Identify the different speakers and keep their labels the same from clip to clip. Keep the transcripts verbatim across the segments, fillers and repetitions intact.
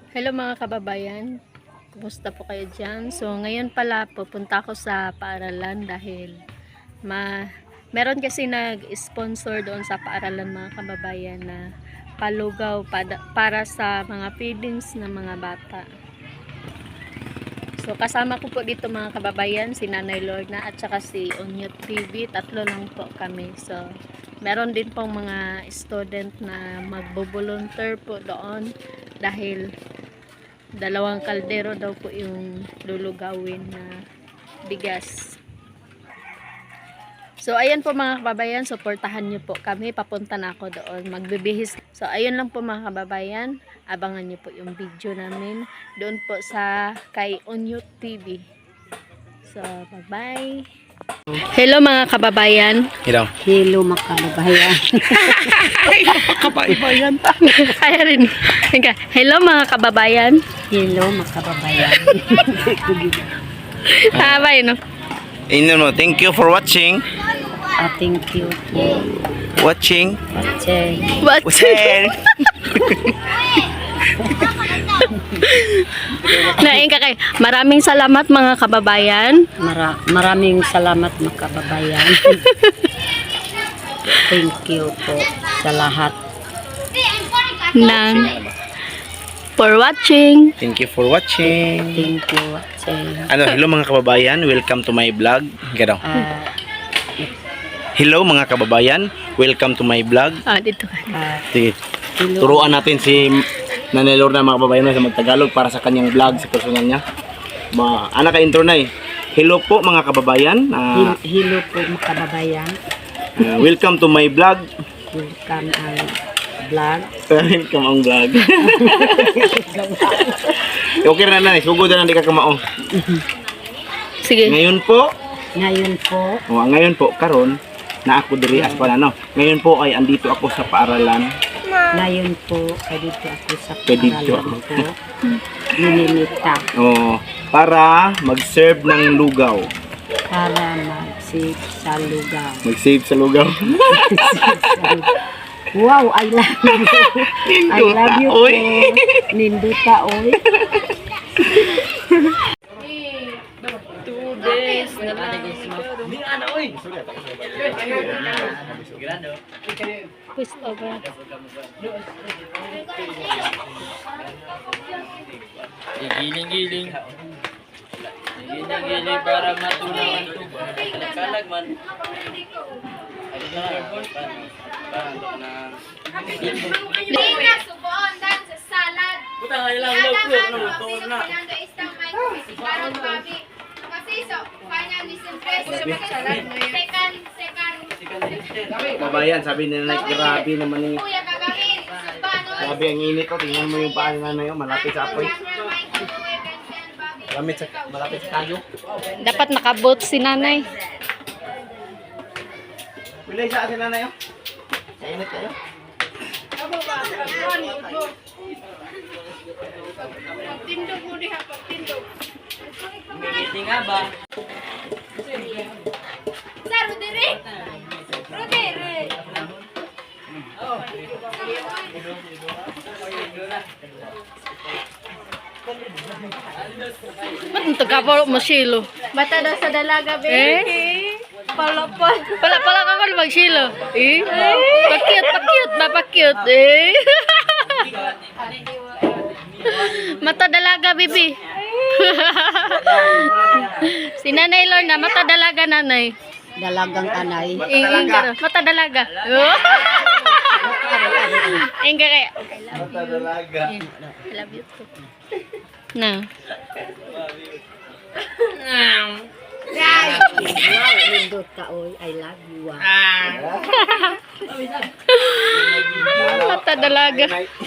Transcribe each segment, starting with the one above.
Speaker 1: Hello mga kababayan, kumusta po kayo dyan? So ngayon pala pupunta ako sa paaralan dahil ma meron kasi nag-sponsor doon sa paaralan mga kababayan na palugaw pada, para sa mga feedings ng mga bata. So kasama ko po dito mga kababayan, si Nanay Lorna at saka si Onyot T V, tatlo lang po kami. So meron din pong mga student na magbo-volunteer po doon dahil dalawang kaldero daw po yung lulugawin na bigas. So ayan po mga kababayan, suportahan nyo po kami, papunta na ako doon magbibihis. So ayun lang po mga kababayan, abangan nyo po yung video namin doon po sa kay Onyot T V. So bye bye. Hello mga kababayan.
Speaker 2: Hello.
Speaker 3: Hello mga kababayan.
Speaker 2: Kababayan.
Speaker 1: Ay rin. Hello mga kababayan.
Speaker 3: Hello mga kababayan.
Speaker 1: Habay no.
Speaker 2: Ino mo, thank you for watching.
Speaker 3: Ah, thank you po.
Speaker 2: Watching.
Speaker 3: Watching.
Speaker 1: What?
Speaker 2: Watching.
Speaker 1: Naing ka kay. Maraming salamat mga kababayan.
Speaker 3: Mara maraming salamat mga kababayan. Thank you po sa lahat.
Speaker 1: Ng for watching.
Speaker 2: Thank you for watching.
Speaker 3: Thank you watching.
Speaker 2: Ano, hello mga kababayan, welcome to my vlog. Gano.
Speaker 3: Ah,
Speaker 2: Hello mga kababayan, welcome to my vlog.
Speaker 1: Ah, dito.
Speaker 3: ah,
Speaker 2: Sige.
Speaker 3: hello.
Speaker 2: Turuan natin si Nanay Lorna mga kababayan sa magtagalog para sa kanyang vlog sa personal niya. Ma, ana ka intro na eh. Hello po mga kababayan. Ah,
Speaker 3: Hel- Hello po mga kababayan.
Speaker 2: ah, welcome to my vlog.
Speaker 3: Welcome ang vlog.
Speaker 2: Welcome ang vlog. Okay na na, sugod na di ka kamaong.
Speaker 1: Sige.
Speaker 2: Ngayon po,
Speaker 3: Ngayon po,
Speaker 2: oh, ngayon po karon na ako diri as panano. Ngayon po ay andito ako sa paaralan.
Speaker 3: ngayon po, ay dito ako sa
Speaker 2: Pwede
Speaker 3: paaralan
Speaker 2: dito.
Speaker 3: po. Ninimita
Speaker 2: Oh, para mag-serve ng lugaw.
Speaker 3: para mag-save sa lugar.
Speaker 2: Mag-save sa lugaw.
Speaker 3: Wow, I love you. I love you po.
Speaker 2: Oy.
Speaker 3: Ninduta, oy.
Speaker 1: Two days na lang. Push over.
Speaker 4: Giling-giling. Giling-giling para matunaw ang tubo. Kalag man. Ay, na.
Speaker 5: Hindi na, subuon, dan sa salad.
Speaker 4: Buta nga ilang
Speaker 5: Ada
Speaker 4: log
Speaker 5: ano,
Speaker 4: no, luto
Speaker 5: kasi
Speaker 4: na.
Speaker 5: pinando istang may karon babi. Kasi so, kanya ni Silvestre, second, second.
Speaker 2: Kabayan, sabi nila like, grabe naman yung
Speaker 5: Kuya kagawin, subano.
Speaker 2: grabe ang init ko. Tingnan mo yung paa ni nanay, oh, malapit sa apoy. Malapit sa malapit sa tayo.
Speaker 1: Dapat nakabot si nanay.
Speaker 2: Bilay sa atin nanay, oh. Sa init kayo.
Speaker 5: Tindog mo diha pag tindog.
Speaker 4: Giling nga ba?
Speaker 5: Sir, Rodere. Rodere.
Speaker 1: Ba't ang tagapalo mo silo?
Speaker 5: Bata daw sa dalaga,
Speaker 1: Eh?
Speaker 5: Palapal.
Speaker 1: Pala pala ka kan magsilo. Eh? Pakyut, pakyut, mapakyut. Eh? Mata dalaga, bibi. Si Nanay Lorna, mata dalaga nanay.
Speaker 3: Dalagang anay.
Speaker 1: Ingin ka rin. Mata dalaga. Ingin ka kaya.
Speaker 2: Mata dalaga.
Speaker 1: I love you too. Na.
Speaker 3: Wow, ninduta, oy. I love you. Ah.
Speaker 1: Mata dalaga.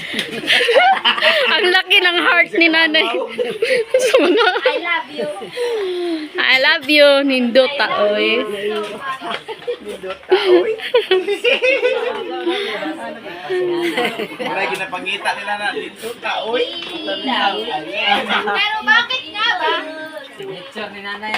Speaker 1: Ang laki ng heart ni nanay. Sa mga,
Speaker 5: I love you.
Speaker 1: I love you, Nindota, oy.
Speaker 2: Wala ginapangita nila na dito ta, oy.
Speaker 5: Pero bakit nga ba?
Speaker 4: Signature ni nanay.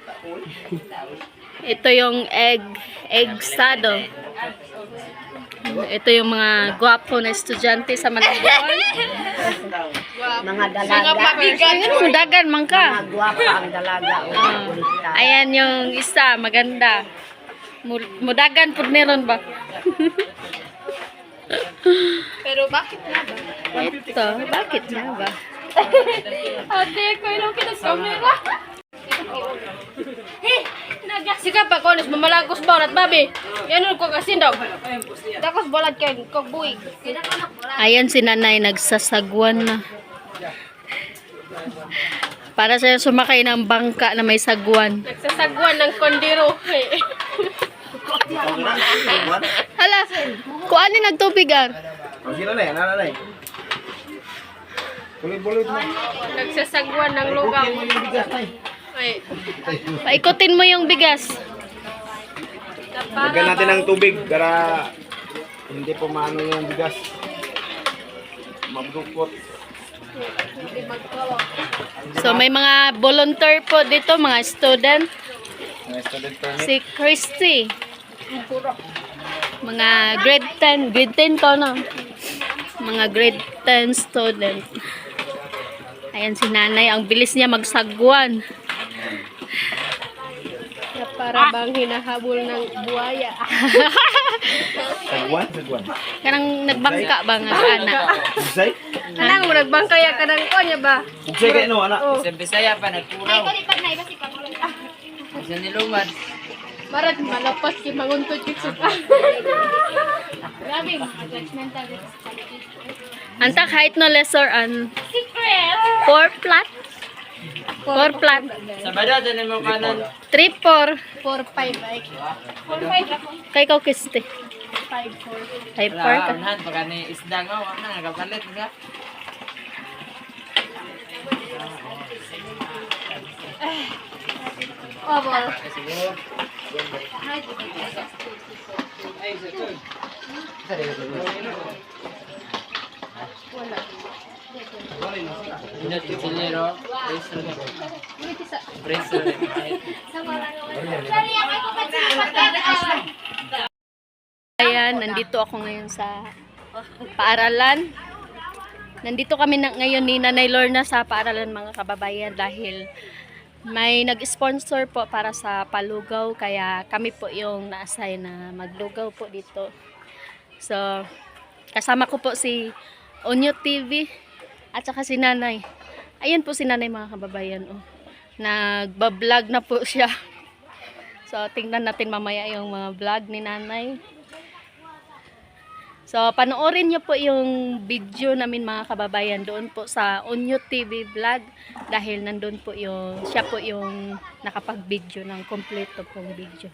Speaker 1: Ito yung egg, egg sado. ito yung mga gwapo na estudyante sa Malabon.
Speaker 3: Mga dalaga.
Speaker 1: Sudagan man ka.
Speaker 3: Mga gwapa ang dalaga. O,
Speaker 1: Ah.
Speaker 3: kulita.
Speaker 1: Ayan yung isa, maganda. Mu- Mudagan po meron ba?
Speaker 5: Pero bakit na ba?
Speaker 1: Ito, bakit na ba?
Speaker 5: Ate, ko ilong kita sa camera. Sika pa konis mamalagos ba ulat babi. Yan ko kasi daw. Dakos bolad kay kog buig.
Speaker 1: Ayan si nanay, nagsasagwan na. Para siya sumakay ng bangka na may sagwan.
Speaker 5: Nagsasagwan ng kondiro.
Speaker 1: Hala, kuan ni nagtubigan.
Speaker 2: O, sino na yan? Ano na yan? Bulit-bulit mo.
Speaker 5: Nagsasagwan ng lugaw. Ay,
Speaker 1: Paikutin mo yung bigas.
Speaker 2: Lagyan natin ng tubig para hindi po maano yung bigas. Mabdukot.
Speaker 1: So may mga volunteer po dito, mga student.
Speaker 2: Mga student permit.
Speaker 1: Si Christy. Mga grade ten. Grade ten to, no? Mga grade ten student. Ayan si nanay. Ang bilis niya magsagwan.
Speaker 5: na para bang hinahabol ng buhaya.
Speaker 2: Sagwan? Sagwan.
Speaker 1: Kanang nagbangka ba nga anak?
Speaker 2: Bugsay?
Speaker 5: Anang mo nagbangkaya ka ng konya ba?
Speaker 2: Bugsay kayo no, anak?
Speaker 4: Sa Bisaya pa nagkuraw. Sa niluman.
Speaker 5: Marat malapas ki manguntod kit suka. Grabe, judgmental dito sa paligid.
Speaker 1: Antak height no lesser an
Speaker 5: Secret!
Speaker 1: four flat. four flat.
Speaker 4: Sa bada, dyan mo kanan.
Speaker 1: three four.
Speaker 5: four five ay. four five ako.
Speaker 1: Kay kau kiste.
Speaker 5: five four.
Speaker 1: five four
Speaker 4: Wala,
Speaker 1: ka.
Speaker 4: unahan, pagka ni isda nga, wala, nagapalit nga.
Speaker 5: Oval.
Speaker 4: Inat kitsilero. Preso na. Preso na.
Speaker 5: Sorry, ako ko pa siya
Speaker 1: Ayan, nandito ako ngayon sa paaralan. Nandito kami na, ngayon ni Nanay Lorna sa paaralan mga kababayan dahil may nag-sponsor po para sa palugaw kaya kami po yung na-assign na maglugaw po dito. So, kasama ko po si Onyo T V at saka si Nanay. Ayan po si Nanay mga kababayan. Oh. Nagbablog na po siya. So, tingnan natin mamaya yung mga vlog ni Nanay. So, panoorin nyo po yung video namin mga kababayan doon po sa Onyo T V vlog dahil nandun po yung, siya po yung nakapag-video ng kompleto pong video.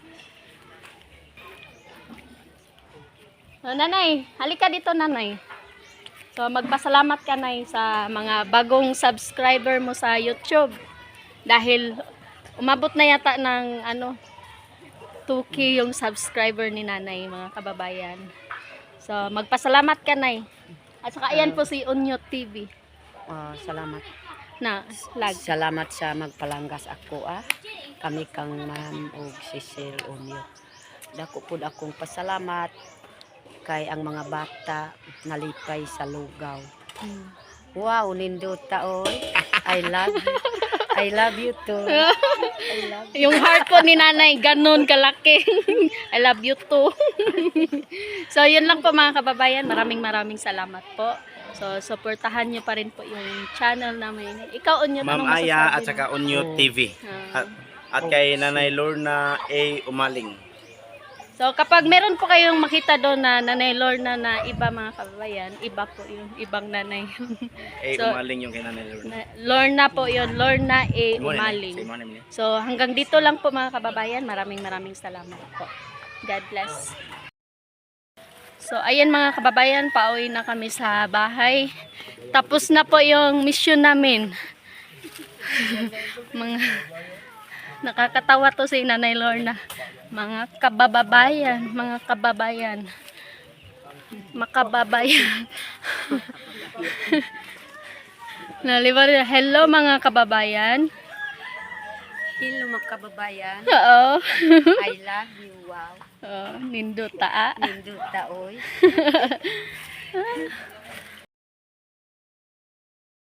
Speaker 1: So, Nanay, halika dito Nanay. So, magpasalamat ka Nay sa mga bagong subscriber mo sa YouTube dahil umabot na yata ng ano, two K yung subscriber ni Nanay mga kababayan. So, magpasalamat ka, Nay. At saka, ayan po si Onyo T V
Speaker 3: Ah, salamat.
Speaker 1: na vlog.
Speaker 3: Salamat sa magpalanggas ako ah. Kami kang ma'am og Cecil Onyo. Dako pud akong pasalamat kay ang mga bata nalipay sa lugaw.
Speaker 1: Hmm.
Speaker 3: Wow, nindot taoy. I love you. I love you too. I love
Speaker 1: Yung heart po ni Nanay, ganun kalaki. I love you too. So, yun lang po mga kababayan. Maraming maraming salamat po. So, supportahan nyo pa rin po yung channel namin. Ikaw, Onyo,
Speaker 2: Ma'am
Speaker 1: anong
Speaker 2: Aya
Speaker 1: masasabi
Speaker 2: at
Speaker 1: mo?
Speaker 2: saka Onyo T V.
Speaker 1: Ah.
Speaker 2: At, at kay Nanay Lorna A. Umaling.
Speaker 1: So, kapag meron po kayong makita doon na Nanay Lorna na iba mga kababayan, iba po yung ibang nanay.
Speaker 2: A.
Speaker 1: So,
Speaker 2: Umaling yung kay Nanay Lorna.
Speaker 1: Na- Lorna po yun, Lorna A.
Speaker 2: Imo na,
Speaker 1: Umaling.
Speaker 2: sa imo na, imo na.
Speaker 1: So, hanggang dito lang po mga kababayan. Maraming maraming salamat po. God bless. So, ayan mga kababayan, pauwi na kami sa bahay. Tapos na po yung mission namin. mga nakakatawa to si Nanay Lorna. Mga kababayan, mga kababayan. Makababayan. Nalibar, hello mga kababayan.
Speaker 3: Hello mga kababayan.
Speaker 1: Oo.
Speaker 3: I love you. Wow.
Speaker 1: Oh, nindot taa.
Speaker 3: Nindot ta oy.